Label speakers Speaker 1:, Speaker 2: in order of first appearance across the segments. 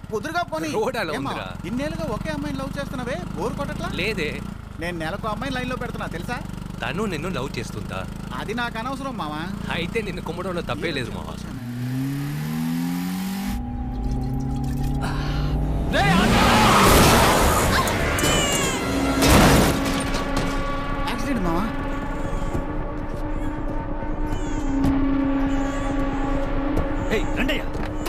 Speaker 1: కుదురుగా పోనీ.
Speaker 2: రోడ్ అలా ఉందిరా.
Speaker 1: ఇన్నేళ్ళుగా ఒకే అమ్మాయిని లవ్ చేస్తున్నావే, బోర్ కొట్టట్లా?
Speaker 2: లేదే.
Speaker 1: నేను నెలకు అమ్మాయిని లైన్ లో పెడుతున్నా తెలుసా?
Speaker 2: తను నిన్ను లవ్ చేస్తుందా?
Speaker 1: అది నాకు అనవసరం మావా.
Speaker 2: అయితే నిన్ను కుమ్మడంలో తప్పే లేదు మావా.
Speaker 1: యాక్సిడెంట్ మావా.
Speaker 3: రండయ్యా.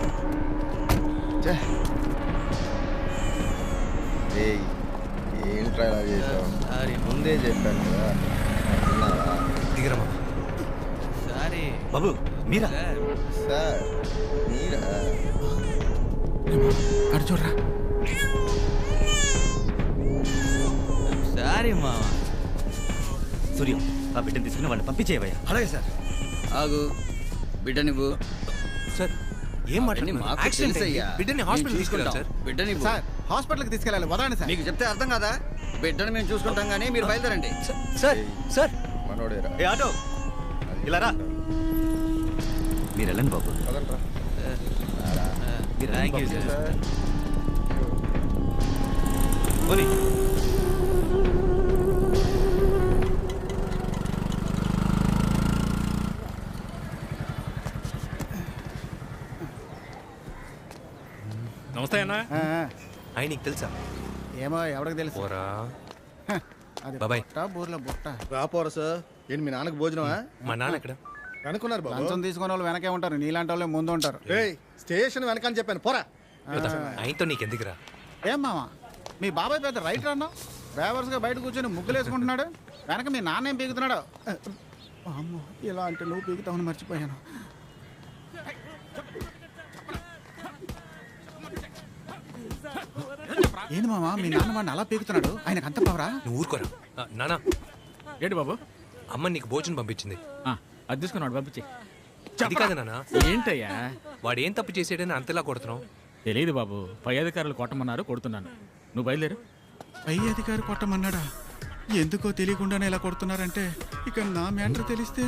Speaker 4: ఏంట్రా ఇలా చేసావు?
Speaker 3: సారీ
Speaker 4: ముందే చెప్పాను కదా.
Speaker 2: దిగరా మావా.
Speaker 3: సారీ బాబు. మీరా
Speaker 4: సార్ మీరా?
Speaker 1: అటు చూడరా.
Speaker 3: సారీ మావా. సూర్యం, ఆ బిడ్డను తీసుకుని వాళ్ళని పంపించేవయ్యా.
Speaker 5: అలాగే సార్. ఆగు, బిడ్డ నువ్వు.
Speaker 2: సార్ ఏం మాట్లాడుతున్నారు? యాక్సిడెంట్ అయ్యి బిడ్డని హాస్పిటల్ తీసుకెళ్ళాలి సార్.
Speaker 5: బిడ్డ నువ్వు.
Speaker 1: సార్ హాస్పిటల్కి తీసుకెళ్ళాలి, వదలండి సార్.
Speaker 5: మీకు చెప్తే అర్థం కదా. బిడ్డను మేము చూసుకుంటాం కానీ మీరు బయలుదేరండి.
Speaker 3: సార్ సార్
Speaker 4: మనోడేరా?
Speaker 3: ఏ ఆటో ఇలా రా. మీరు వెళ్ళండి బాబు.
Speaker 4: పదండ్రా.
Speaker 3: Thank you sir. పోనీ.
Speaker 6: నమస్తే అన్న.
Speaker 2: ఆయన నీకు తెలుసా?
Speaker 1: ఏమో ఎవరికి తెలుసు.
Speaker 2: పోరా.
Speaker 1: అది
Speaker 2: బాబాయ్.
Speaker 1: బుట్ట, బూర్ల బుట్ట.
Speaker 4: రాపోరా సార్. ఏంటి మీ నాన్నకు భోజనమా?
Speaker 2: మా నాన్న ఎక్కడ?
Speaker 4: అనుకున్నారు బాబు.
Speaker 1: లంచం తీసుకునే వాళ్ళు వెనకే ఉంటారు, నీలాంటి వాళ్ళే ముందు ఉంటారు.
Speaker 4: స్టేషన్ వెనకని చెప్పాను పోరా.
Speaker 2: ఆయనతో నీకెందుకురా?
Speaker 1: ఏం మామ, మీ బాబాయ్ పెద్ద రైటర్ అన్నావు, డ్రైవర్స్ గా బయట కూర్చొని ముగ్గులు వేసుకుంటున్నాడు, వెనక మీ నాన్న ఏం పీకుతున్నాడు? అమ్మో, ఇలా అంటే నువ్వు పీకుతావని మర్చిపోయాను. ఏంది మామ, మీ నాన్న వాడిని అలా పీకుతున్నాడు, ఆయనకు అంత పవరా?
Speaker 2: నువ్వు ఊరుకోరా. నానా
Speaker 6: ఏంటి బాబు?
Speaker 2: అమ్మ నీకు భోజనం పంపించింది.
Speaker 6: అది తీసుకున్నాడు పంపించి.
Speaker 2: అది కాదు నాన్న.
Speaker 6: ఏంటయ్యా
Speaker 2: వాడు ఏం తప్పు చేసాడని అంతలా కొడుతున్నావు?
Speaker 6: తెలియదు బాబు, పై అధికారులు కొట్టమన్నారు, కొడుతున్నాను. నువ్వు బయలుదేరు.
Speaker 1: పై అధికారి కొట్టమన్నాడా? ఎందుకో తెలియకుండానే ఇలా కొడుతున్నారంటే ఇక నా మ్యాటర్ తెలిస్తే.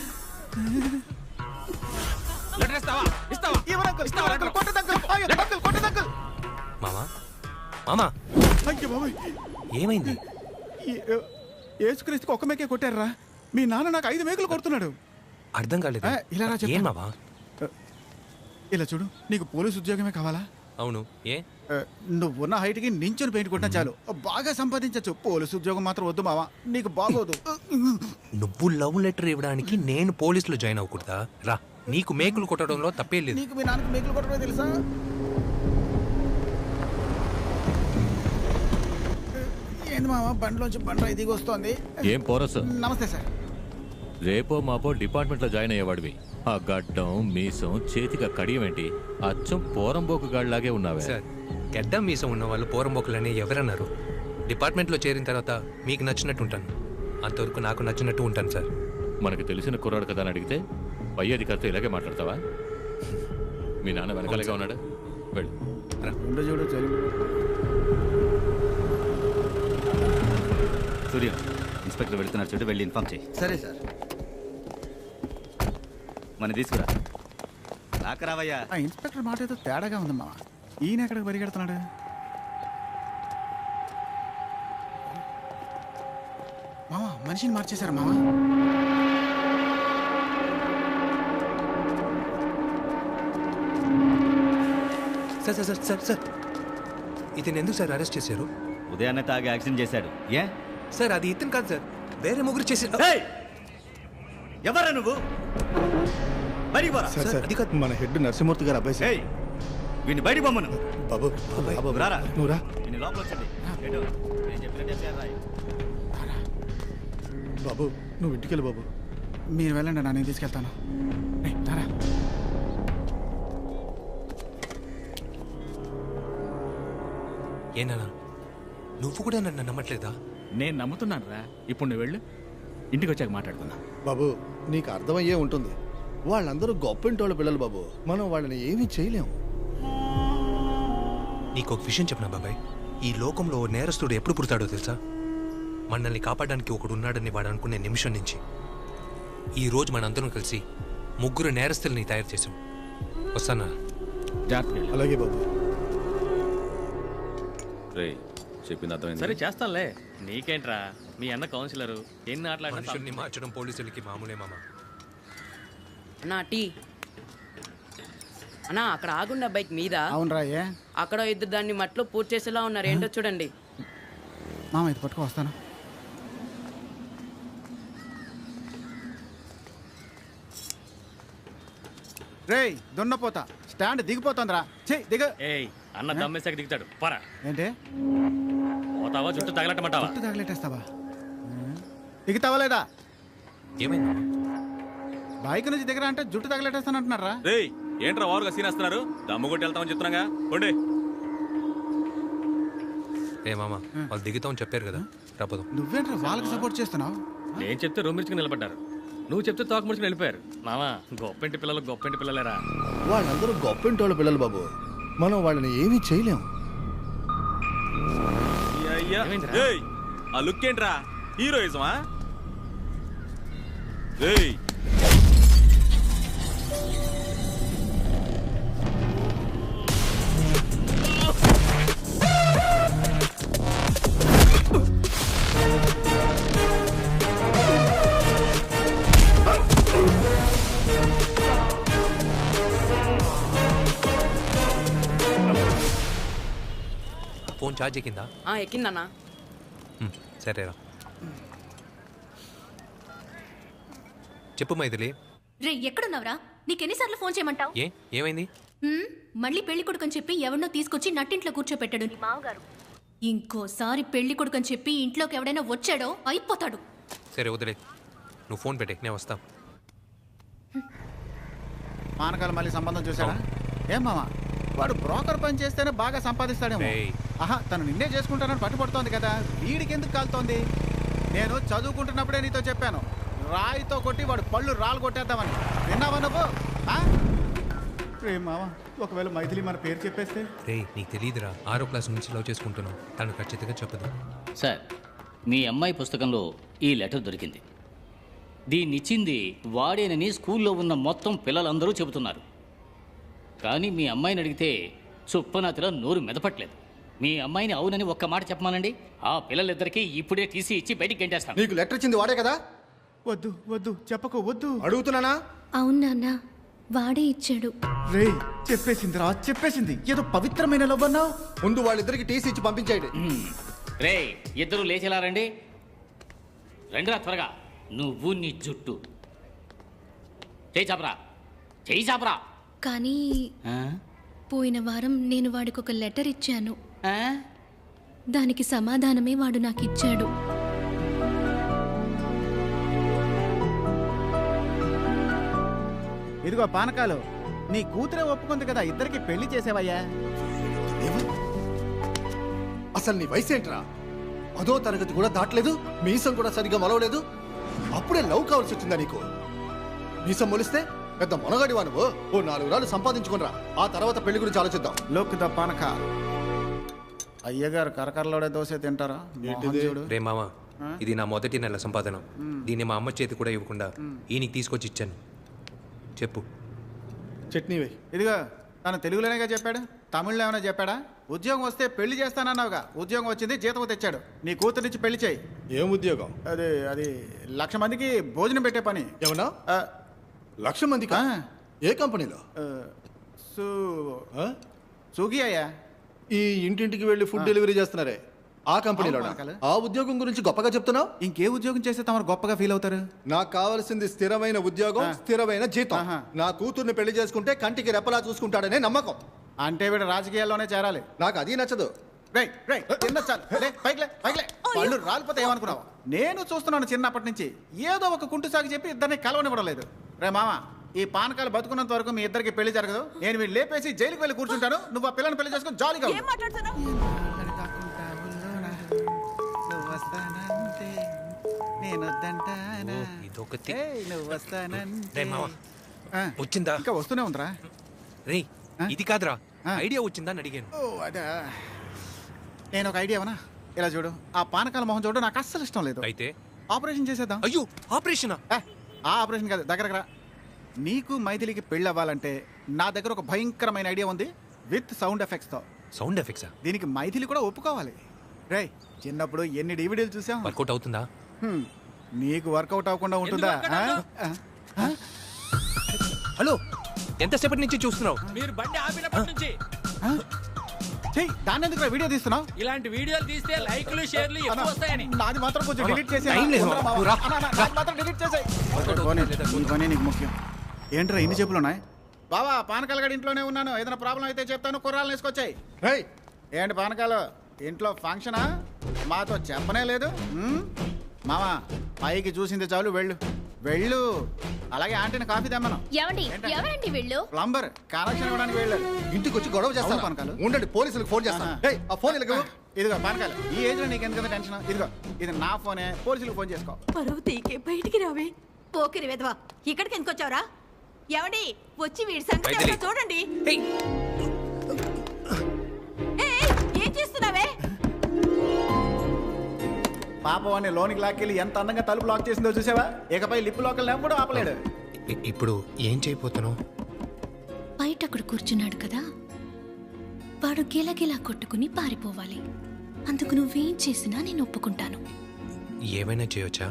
Speaker 2: మామా మామా ఏమైంది?
Speaker 1: యేసుక్రీస్తుకి ఒక్క మేకే కొట్టారా? మీ నాన్న నాకు 5 మేకులు కొడుతున్నాడు.
Speaker 2: అర్థం కాలేదు.
Speaker 1: ఇలా రా చెప్తా.
Speaker 2: ఏం మామా?
Speaker 1: ఇలా చూడు, నీకు పోలీసు ఉద్యోగమే కావాలా?
Speaker 2: అవును. ఏ?
Speaker 1: నువ్వున్న హైట్కి నించుని పెయింట్ కొట్టినా చాలు, బాగా సంపాదించచ్చు. పోలీసు ఉద్యోగం మాత్రం వద్దు మావా, నీకు బాగోదు.
Speaker 2: నువ్వు లవ్ లెటర్ ఇవ్వడానికి నేను పోలీసులో జాయిన్ అవ్వకూడదా? రా, నీకు మేకులు కొట్టడంలో తప్పే లేదు.
Speaker 1: నీకు మీ నాన్నకి మేకులు కొట్టడమే తెలుసా? ఏంది మావా, బండిలోంచి బండ్రా దిగి వస్తోంది.
Speaker 7: ఏం పోరసు?
Speaker 1: నమస్తే సార్.
Speaker 7: రేపో మాపో డిపార్ట్మెంట్లో జాయిన్ అయ్యేవాడివి. ఆ గడ్డం మీసం చేతిగా కడియమేంటి? అచ్చం పోరంబోకు గాడిలాగే ఉన్నావే.
Speaker 2: సార్, గడ్డం మీసం ఉన్న వాళ్ళు పోరంబోకులని ఎవరన్నారు? డిపార్ట్మెంట్లో చేరిన తర్వాత మీకు నచ్చినట్టు ఉంటాను, అంతవరకు నాకు నచ్చినట్టు ఉంటాను సార్.
Speaker 7: మనకు తెలిసిన కుర్రాడు కదా అని అడిగితే పై అధికారితో ఇలాగే మాట్లాడతావా? మీ నాన్న వెనకాలగా ఉన్నాడా? వెళ్ళు.
Speaker 3: సూర్యం, ఇన్స్పెక్టర్ వెళ్తున్నారు చూడు, వెళ్ళి ఇన్ఫార్మ్ చేయి.
Speaker 5: సరే సార్.
Speaker 3: మన తీసుకురా. రాకరావయ్యా.
Speaker 1: ఆ ఇన్స్పెక్టర్ మాట ఏదో తేడాగా ఉంది మావా. ఈయన ఎక్కడికి పరిగెడుతున్నాడు? మావా, మనిషిని మార్చేశారు మావా.
Speaker 2: Sir sir sir sir sir ఇతను ఎందుకు సార్ అరెస్ట్ చేశారు?
Speaker 3: ఉదయాన్నే తాగి యాక్సిడెంట్ చేశాడు. ఏ
Speaker 2: సార్, అది ఇతను కాదు సార్, వేరే ముగ్గురు చేశారు.
Speaker 3: ఎవరా నువ్వు? బయటికి పోరా.
Speaker 2: అది కాదు.
Speaker 4: మన హెడ్ నరసింహమూర్తి గారు అబ్బాయి సార్.
Speaker 3: వీడిని బయటికి పొమ్మను.
Speaker 4: బాబు బాబు
Speaker 3: రారా.
Speaker 4: నువ్వు రా
Speaker 3: వీడిని లోపల వచ్చండి. నేను చెప్పినట్టే చేయాలి.
Speaker 4: బాబు, నువ్వు ఇంటికి వెళ్ళు బాబు.
Speaker 1: మీరు వెళ్ళండి, నేను తీసుకెళ్తాను. తారా.
Speaker 2: ఏనా నువ్వు కూడా నన్ను నమ్మట్లేదా?
Speaker 6: నేను నమ్ముతున్నాను రా. ఇప్పుడు నువ్వు వెళ్ళు, ఇంటికి వచ్చాక మాట్లాడుతున్నా.
Speaker 4: బాబు, నీకు అర్థమయ్యే ఉంటుంది, వాళ్ళందరూ గొప్పింటోళ్ళ పిల్లలు బాబు. మనం వాళ్ళని ఏమీ చేయలేము.
Speaker 2: నీకు ఒక విషయం చెప్పనా బాబాయ్, ఈ లోకంలో నేరస్తుడు ఎప్పుడు పుడతాడో తెలుసా? మనల్ని కాపాడడానికి ఒకడు ఉన్నాడని వాడు అనుకునే నిమిషం నుంచి. ఈరోజు మనందరం కలిసి ముగ్గురు నేరస్తుల్ని తయారు చేసాం. వస్తానా?
Speaker 6: జాగ్రత్త.
Speaker 4: అలాగే బాబు.
Speaker 3: రే చెప్పింది అర్థమైంది.
Speaker 8: సరే చేస్తానులే, నీకేంట్రా మీ అన్న కౌన్సిలరు ఎన్ని
Speaker 2: మనుషుల్ని
Speaker 8: ఆటలాడినా
Speaker 2: మార్చడం పోలీసులకి మామూలే మామ.
Speaker 9: అన్నా టీ అన్నా, అక్కడ ఆగున్న బైక్ మీద
Speaker 1: అవునరా ఏ
Speaker 9: అక్కడ ఇద్దరు దాన్ని మట్లో పూర్తి చేసేలా ఉన్నారు. ఏంటో చూడండి.
Speaker 1: మామ ఇది పట్టుకో వస్తాను. రేయ్ దున్నపోతా స్టాండ్ దిగిపోతుందిరా. చెయ్యి దిగ.
Speaker 8: ఏయ్ అన్న దమ్మేసాక దిగుతాడు పరా.
Speaker 1: ఏంటి
Speaker 8: పోతావా చుట్టూ తగలట్టమంటావా?
Speaker 1: చుట్టూ తగలెట్టేస్తావా? దిగుతావా లేదా?
Speaker 2: ఏమైంది మామ?
Speaker 1: బైక్ నుంచి దిగరా అంటే జుట్టు తగలెట్టేస్తాను అంటున్నారా?
Speaker 3: రేయ్ ఏంట్రా వారుగా సీన్ వస్తున్నారు? దమ్ము కొట్టి వెళ్తామని చెప్తున్నాగా. ఉండే
Speaker 2: ఏ మామ, వాళ్ళు దిగుతామని చెప్పారు కదా, రాపదు.
Speaker 1: నువ్వేంట్రా వాళ్ళకి సపోర్ట్ చేస్తున్నావు?
Speaker 8: నేను చెప్తే రూమ్ ఇచ్చుకుని నిలబడ్డారు, నువ్వు చెప్తే తోక ముడుచుకుని వెళ్ళిపోయారు. మామా గొప్పింటి పిల్లలు గొప్పింటి పిల్లలేరా.
Speaker 4: వాళ్ళందరూ గొప్పింటోళ్ళ పిల్లలు బాబు, మనం వాళ్ళని ఏమీ చేయలేం.
Speaker 8: ఏమైందిరా?
Speaker 3: ఏయ్ ఆ లుక్ ఏంట్రా, హీరోయిజమా? ఏయ్
Speaker 2: ఫోన్ ఛార్జ్ ఎక్కిందా?
Speaker 9: ఎక్కిందన్నా.
Speaker 2: సరేరా చెప్పు మైథిలి.
Speaker 10: రే ఎక్కడున్నావురా? నీకెన్నిసార్లు ఫోన్ చేయమంటావు?
Speaker 2: ఏమైంది?
Speaker 10: మళ్ళీ పెళ్లి కొడుకని చెప్పి ఎవరినో తీసుకొచ్చి నట్టింట్లో కూర్చోపెట్టాడు నీ మావగారు. ఇంకోసారి పెళ్లి కొడుకని చెప్పి ఇంట్లోకి ఎవడైనా వచ్చాడో అయిపోతాడు.
Speaker 2: సరే వదిలే, నువ్వు ఫోన్ పెట్టే, నేను వస్తా.
Speaker 1: పానకాలు మళ్ళీ సంబంధం చూసాడా? ఏం మామ, వాడు బ్రోకర్ పని చేస్తేనే బాగా సంపాదిస్తాడేమో.
Speaker 2: ఏయ్.
Speaker 1: ఆహా, తను నిన్నే చేసుకుంటానని పట్టుబడుతోంది కదా, వీడికి ఎందుకు కాలుతోంది? నేను చదువుకుంటున్నప్పుడే నీతో చెప్పాను, రాయితో కొట్టి వాడు పళ్ళు రాళ్ళు కొట్టేద్దామని. విన్నావా నువ్వు? రే మామ, ఒకవేళ మైథిలి మన పేరు చెప్పేస్తే?
Speaker 2: రే నీకు తెలియదురా, 6వ క్లాస్ నుంచి లవ్ చేసుకుంటున్నావు, తను ఖచ్చితంగా చెప్పదు.
Speaker 11: సార్, మీ అమ్మాయి పుస్తకంలో ఈ లెటర్ దొరికింది. దీన్నిచ్చింది వాడేనని స్కూల్లో ఉన్న మొత్తం పిల్లలందరూ చెబుతున్నారు. కానీ మీ అమ్మాయిని అడిగితే చుప్పనాతిలో నోరు మెదపట్లేదు. మీ అమ్మాయిని అవునని ఒక్క మాట చెప్పమానండి, ఆ పిల్లలిద్దరికీ ఇప్పుడే టీసీ ఇచ్చి బయటికి గంటేస్తాను.
Speaker 4: నీకు లెటర్ ఇచ్చింది వాడే కదా?
Speaker 1: వద్దు వద్దు చెప్పకు, వద్దు.
Speaker 4: అడుగుతున్నానా?
Speaker 10: అవును నాన్న, వాడే ఇచ్చాడు.
Speaker 1: రే చెప్పేసింది రా, చెప్పేసింది. ఏదో పవిత్రమైన లవ్ అన్నావు.
Speaker 4: ముందు వాళ్ళిద్దరికి టీసీ ఇచ్చి పంపించేయండి.
Speaker 11: రే ఇద్దరు లేచేలా రండి, రండిరా త్వరగా. నువ్వు నీ జుట్టు చేయి చాపరా, చేయి చాపరా.
Speaker 10: కానీ పోయిన వారం నేను వాడికి ఒక లెటర్ ఇచ్చాను. దానికి సమాధానమే వాడు నాకు ఇచ్చాడు.
Speaker 1: ఇదిగో పానకాలు, నీ కూతురే ఒప్పుకుంది కదా, ఇద్దరికి పెళ్లి చేసేవయ్యా.
Speaker 4: అసలు నీ వయసు ఏంట్రా? 10వ తరగతి కూడా దాటలేదు, మీసం కూడా సరిగ్గా మొలవలేదు, అప్పుడే లవ్ కావాల్సి వచ్చిందా నీకు? మీసం మొలిస్తే పెద్ద మొనగాడివా నువ్వు? ఓ 4 రాళ్ళు సంపాదించుకునిరా, ఆ తర్వాత పెళ్లి గురించి ఆలోచిద్దాం.
Speaker 1: లోక్ ద పానక. అయ్యగారు కరకరలోడే దోశ తింటారా? చూడు
Speaker 2: రే మామ, ఇది నా మొదటి నెల సంపాదన. దీన్ని మా అమ్మ చేతి కూడా ఇవ్వకుండా ఈయనకి తీసుకొచ్చి ఇచ్చాను. చెప్పు.
Speaker 4: చట్నీ వే.
Speaker 1: ఇదిగో తను తెలుగులోనేగా చెప్పాడు, తమిళ్లో ఏమైనా చెప్పాడా? ఉద్యోగం వస్తే పెళ్లి చేస్తానన్నావుగా, ఉద్యోగం వచ్చింది, జీతం తెచ్చాడు. నీ కూతురిచ్చి పెళ్లి చేయి.
Speaker 4: ఏం ఉద్యోగం?
Speaker 1: అది 1,00,000 మందికి భోజనం పెట్టే పని.
Speaker 4: ఏమన్నా? 1,00,000 మందికి? ఏ కంపెనీలో?
Speaker 1: స్విగ్గీ అయ్యా.
Speaker 4: ఈ ఇంటింటికి వెళ్ళి ఫుడ్ డెలివరీ చేస్తున్నారే, ఆ కంపెనీలో? ఆ ఉద్యోగం గురించి గొప్పగా చెప్తున్నావు.
Speaker 1: ఇంకే ఉద్యోగం చేస్తే తమరు గొప్పగా ఫీల్ అవుతారు?
Speaker 4: నాకు కావాల్సింది స్థిరమైన ఉద్యోగం, స్థిరమైన జీతం. నా కూతుర్ని పెళ్లి చేసుకుంటే కంటికి రెప్పలా చూసుకుంటాడనే నమ్మకం.
Speaker 1: అంటే వీడు రాజకీయాల్లోనే చేరాలి.
Speaker 4: నాకు అది నచ్చదు.
Speaker 1: వాళ్ళు రాలిపోతే ఏమనుకున్నావు? నేను చూస్తున్నాను చిన్నప్పటి నుంచి, ఏదో ఒక కుంటు సాగు చెప్పి ఇద్దరిని కలవనివ్వడం లేదు. రే మామ, ఈ పానకాలు బతుకున్నంత వరకు మీ ఇద్దరికి పెళ్లి జరగదు. నేను వీళ్ళు లేపేసి జైలుకి వెళ్ళి కూర్చుంటాను, నువ్వు ఆ పిల్లని పెళ్లి చేసుకుని జాలీగా
Speaker 2: వచ్చిందా?
Speaker 1: ఇంకా వస్తూనే ఉందిరా.
Speaker 2: రే ఇది కాదురా, ఐడియా వచ్చిందా అని అడిగాను.
Speaker 1: నేను ఒక ఐడియా అవనా? ఇలా చూడు, ఆ పానకాల మొహం చూడు, నాకు అస్సలు ఇష్టం లేదు.
Speaker 2: అయితే
Speaker 1: ఆపరేషన్ చేసేద్దాం.
Speaker 2: అయ్యో ఆపరేషనా?
Speaker 1: ఆ ఆపరేషన్ కాదు, దగ్గరకు రా. నీకు మైథిలికి పెళ్ళి అవ్వాలంటే నా దగ్గర ఒక భయంకరమైన ఐడియా ఉంది, విత్ సౌండ్ ఎఫెక్ట్స్తో.
Speaker 2: సౌండ్ ఎఫెక్ట్సా?
Speaker 1: దీనికి మైథిలి కూడా ఒప్పుకోవాలి. రేయ్, చిన్నప్పుడు ఎన్ని డివిడీలు చూసాం.
Speaker 2: వర్కౌట్ అవుతుందా?
Speaker 1: నీకు వర్కౌట్ అవ్వకుండా ఉంటుందా?
Speaker 2: హలో, ఎంతసేపటి నుంచి చూస్తున్నావు?
Speaker 8: మీరు బండి ఆపినప్పటి నుంచి.
Speaker 1: చెయ్యి, దాన్ని ఎందుకు వీడియో తీస్తున్నావు?
Speaker 8: ఇలాంటి వీడియోలు తీస్తే లైక్లు షేర్లు ఎక్కువ వస్తాయని.
Speaker 1: నాది మాత్రం కొంచెం డిలీట్ చేసి
Speaker 2: టైం లేదు.
Speaker 1: మాత్రం డిలీట్ చేసాయి. నీకు ముఖ్యం. ఏంట్రా ఇన్ని చెప్పులు ఉన్నాయి? బావా, పానకాల గడి ఇంట్లోనే ఉన్నాను. ఏదైనా ప్రాబ్లం అయితే చెప్తాను, కుర్రాలను వేసుకొచ్చాయి. ఏంటి పానకాలు, ఇంట్లో ఫంక్షనా? మాతో చెప్పనే లేదు. మామా, పైకి చూసింది చాలు, వెళ్ళు వెళ్ళు. అలాగే ఆంటీని కాఫీ తెమ్మను.
Speaker 10: ఎవరండి వెళ్ళు?
Speaker 1: ప్లంబర్ కనెక్షన్ ఇవ్వడానికి వెళ్ళాడు.
Speaker 4: ఇంటికి వచ్చి గొడవ చేస్తాను
Speaker 1: పానకాలు.
Speaker 4: ఉండండి, పోలీసులకు ఫోన్ చేస్తాను. ఆ ఫోన్ ఇలాగ.
Speaker 1: ఇదిగో పానకాలు, ఈ ఏజ్ లో నీకు ఎందుకంత టెన్షన్? ఇదిగో, ఇది నా ఫోనే, పోలీసులకు ఫోన్ చేసుకో.
Speaker 12: పరువు తీకే బయటికి రావే. పోకిరి వెధవా, ఇక్కడికి ఎందుకు వచ్చావురా? ఏమండి, వచ్చి వీడి సంగతి చూడండి. ఏం చేస్తున్నావే?
Speaker 1: పాప వాడిని లోనికి లాక్కెళ్ళి ఎంత అందంగా తలుపు లాక్ చేసిందో చూసావా? ఇకపై లిప్ లోకల్ ఎప్పుడు ఆపలేడు.
Speaker 2: ఇప్పుడు ఏం చేయబోతున్నావు?
Speaker 10: బయట అక్కడ కూర్చున్నాడు కదా, వాడు గిలగిలా కొట్టుకుని పారిపోవాలి. అందుకు నువ్వేం చేసినా నేను ఒప్పుకుంటాను.
Speaker 2: ఏమైనా చేయొచ్చా?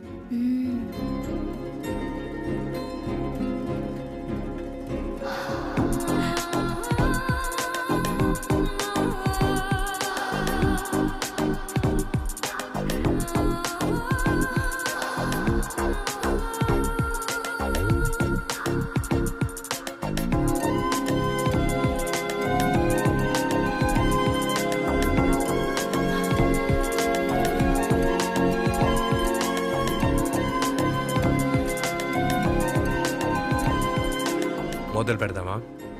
Speaker 2: మొదలు పెడదామా?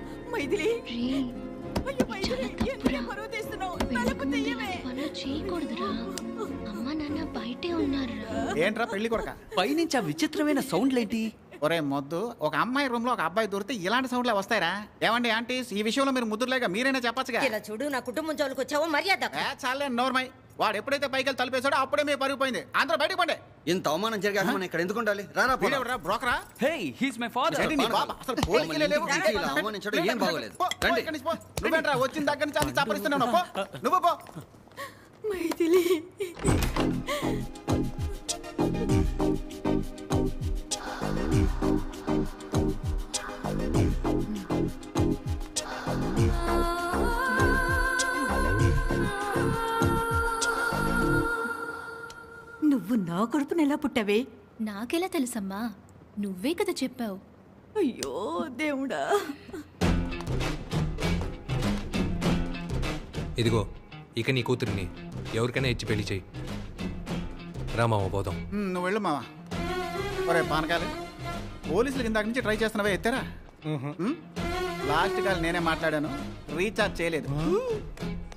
Speaker 1: ఏంట్రా పెళ్లి కొడక,
Speaker 3: పైనుంచి ఆ విచిత్రమైన సౌండ్లేంటి?
Speaker 1: ఒరే మొద్దు, ఒక అమ్మాయి రూమ్ లో ఒక అబ్బాయి దొరికితే ఇలాంటి సౌండ్లే వస్తాయరా? ఏమండి ఆంటీస్, ఈ విషయంలో మీరు ముద్దులేక మీరైనా చెప్పచ్చుగా.
Speaker 12: ఇలా చూడు, నా కుటుంబం జోలికి వచ్చావో మర్యాద.
Speaker 1: చాలే నోర్మై. వాడు ఎప్పుడైతే పైకి వెళ్ళి తలిపేశాడో అప్పుడే మీ పరిగిపోయింది. అందరూ బయటకు పండి.
Speaker 5: ఇంత అవమానం జరిగాక మనం ఇక్కడ ఎందుకు ఉండాలి? రారా
Speaker 1: బ్రోకరా.
Speaker 3: Hey, he's my father.
Speaker 5: అవమానించడం ఏం బాగోలేదు.
Speaker 1: నువ్వేంట్రా వచ్చిన దగ్గర నుంచి అన్ని చప్పరిస్తున్నావు? నువ్వు పో.
Speaker 12: మైథిలి, నువ్వు నా కొడుకుని ఎలా పుట్టావే?
Speaker 10: నాకెలా తెలుసమ్మా? నువ్వే కదా చెప్పావు.
Speaker 12: అయ్యో దేవుడా.
Speaker 2: ఇదిగో, ఇక నీ కూతురిని ఎవరికైనా ఇచ్చి పెళ్లి చేయి. రామావ పోదాం.
Speaker 1: నువ్వు వెళ్ళు మావా. ఒరే పానకాలు, పోలీసులు ఇందాక నుంచి ట్రై చేస్తున్నావే, ఎత్తారా? లాస్ట్ కాల్ నేనే మాట్లాడాను, రీఛార్జ్ చేయలేదు.